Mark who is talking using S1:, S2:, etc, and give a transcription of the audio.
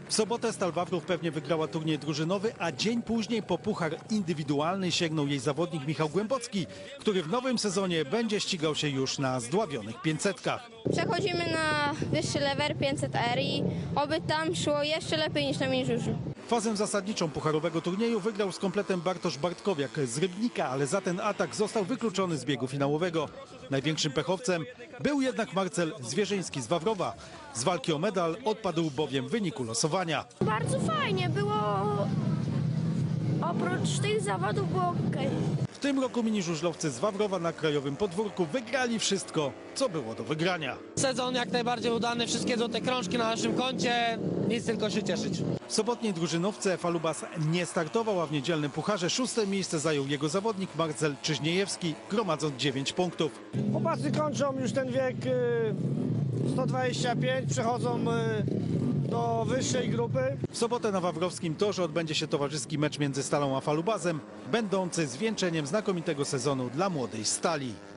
S1: W sobotę Stal Wawrów pewnie wygrała turniej drużynowy, a dzień później po puchar indywidualny sięgnął jej zawodnik Michał Głębocki, który w nowym sezonie będzie ścigał się już na zdławionych 500-kach.
S2: Przechodzimy na wyższy level 500R i oby tam szło jeszcze lepiej niż na miniżurzu.
S1: Fazę zasadniczą pucharowego turnieju wygrał z kompletem Bartosz Bartkowiak z Rybnika, ale za ten atak został wykluczony z biegu finałowego. Największym pechowcem był jednak Marcel Zwierzyński z Wawrowa. Z walki o medal odpadł bowiem w wyniku losowania.
S3: Bardzo fajnie było, oprócz tych zawodów było okej.
S1: W tym roku miniżużlowcy z Wawrowa na krajowym podwórku wygrali wszystko, co było do wygrania.
S4: Sezon jak najbardziej udany, wszystkie złote krążki na naszym koncie, nic tylko się cieszyć.
S1: W sobotniej drużynówce Falubas nie startował, a w niedzielnym pucharze 6. miejsce zajął jego zawodnik Marcel Czyżniejewski, gromadząc 9 punktów.
S5: Chłopacy kończą już ten wiek 125, przechodzą do wyższej grupy.
S1: W sobotę na Wawrowskim Torze odbędzie się towarzyski mecz między Stalą a Falubazem, będący zwieńczeniem znakomitego sezonu dla młodej Stali.